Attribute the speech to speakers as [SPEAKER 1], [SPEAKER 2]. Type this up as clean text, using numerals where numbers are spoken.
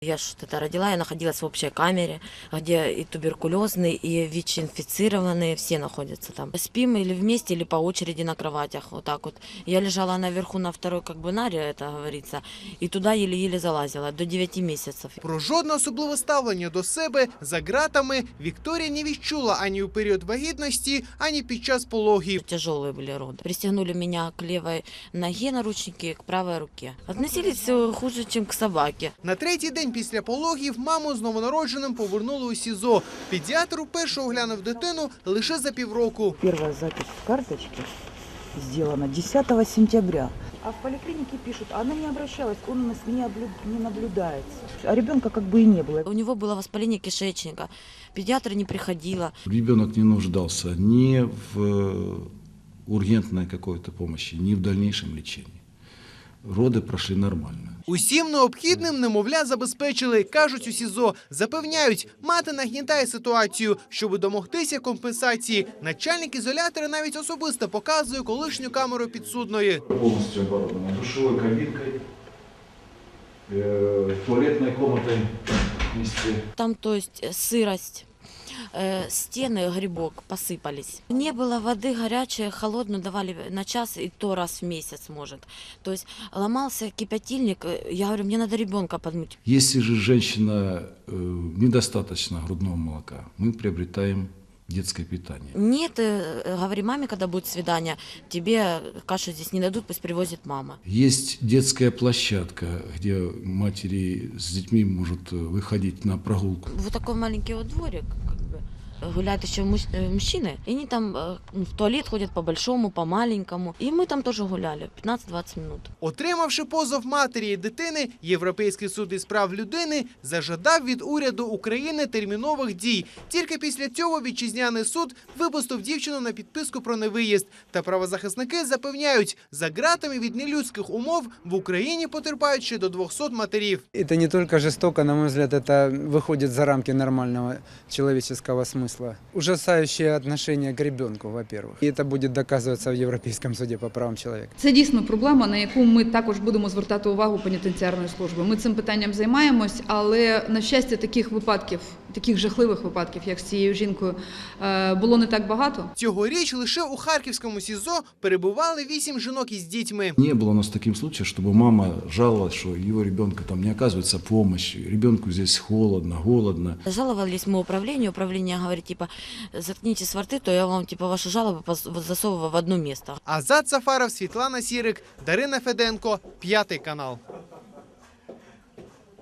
[SPEAKER 1] Я что-то родила, я находилась в общей камере, где и туберкулезные, и ВИЧ-инфицированные, все находятся там. Спим или вместе, или по очереди на кроватях, вот так вот. Я лежала наверху на второй наре, это говорится, и туда еле-еле залазила, до 9 месяцев.
[SPEAKER 2] Про жодне особливе ставлення до себе за ґратами Вікторія не відчула ані у період вагітності, ані під час пологів.
[SPEAKER 1] Тяжелые были роды. Пристегнули меня к левой ноге наручники, к правой руке. Относились хуже, чем к собаке.
[SPEAKER 2] На третій день після пологів маму з новонародженим повернули у СІЗО. Педіатр уперше оглянув дитину лише за півроку.
[SPEAKER 3] Первая запись в карточке сделана 10 сентября. А в поликлинике пишут, она не обращалась, он у нас не наблюдается. А ребенка как бы и не было.
[SPEAKER 1] У него было воспаление кишечника. Педиатр не приходила.
[SPEAKER 4] Ребенок не нуждался ни в ургентной какой-то помощи, ни в дальнейшем лечении. Роды прошли нормально.
[SPEAKER 2] Усім необхідним немовля забезпечили, кажуть у СІЗО. Запевняють, мати нагнітає ситуацію. Щоб домогтися компенсації, начальник ізолятора навіть особисто показує колишню камеру підсудної.
[SPEAKER 4] Повністю оборудована душовою кабінкою, туалетною кімнатою вместе.
[SPEAKER 1] Там, то есть, сырость. Стены, грибок посыпались. Не было воды горячей, холодную давали на час, и то раз в месяц, может. То есть ломался кипятильник, я говорю, мне надо ребенка подмыть.
[SPEAKER 4] Если же женщина недостаточно грудного молока, мы приобретаем детское питание.
[SPEAKER 1] Нет, говори маме, когда будет свидание, тебе кашу здесь не дадут, пусть привозит мама.
[SPEAKER 4] Есть детская площадка, где матери с детьми могут выходить на прогулку.
[SPEAKER 1] Вот такой маленький вот дворик, как бы. Гуляют еще мужчины, и они там в туалет ходят по-большому, по-маленькому. И мы там тоже гуляли 15-20 минут.
[SPEAKER 2] Отримавши позов матері і дитини, Європейський суд із прав людини зажадав від уряду України термінових дій. Тільки після цього вітчизняний суд випустив дівчину на підписку про невиїзд. Та правозахисники запевняють, за ґратами від нелюдських умов в Україні потерпають ще до 200 матерів.
[SPEAKER 5] Это не только жестоко, на мой взгляд, это выходит за рамки нормального человеческого смысла. Ужасающее отношение к ребенку, во-первых. И это будет доказываться в Европейском суде по правам человека.
[SPEAKER 6] Це дійсно проблема, на яку ми також будемо звертати увагу пенітенціарної служби. Ми цим питанням займаємось, але, на щастя, таких випадків, таких жахливих випадків, як з цією жінкою, було не так багато.
[SPEAKER 2] Цьогоріч лише у Харківському СІЗО перебували 8 жінок із дітьми.
[SPEAKER 4] Не было у нас таким случаем, чтобы мама жаловалась, что его ребенка там не оказывается помощи, ребенку здесь холодно, голодно.
[SPEAKER 1] Жаловались мы управление говорит, типа, заткнитесь во рты, то я вам, типа, ваши жалобы засовываю в одно место.
[SPEAKER 2] Азат Сафаров, Світлана Сірик, Дарина Феденко, 5 канал.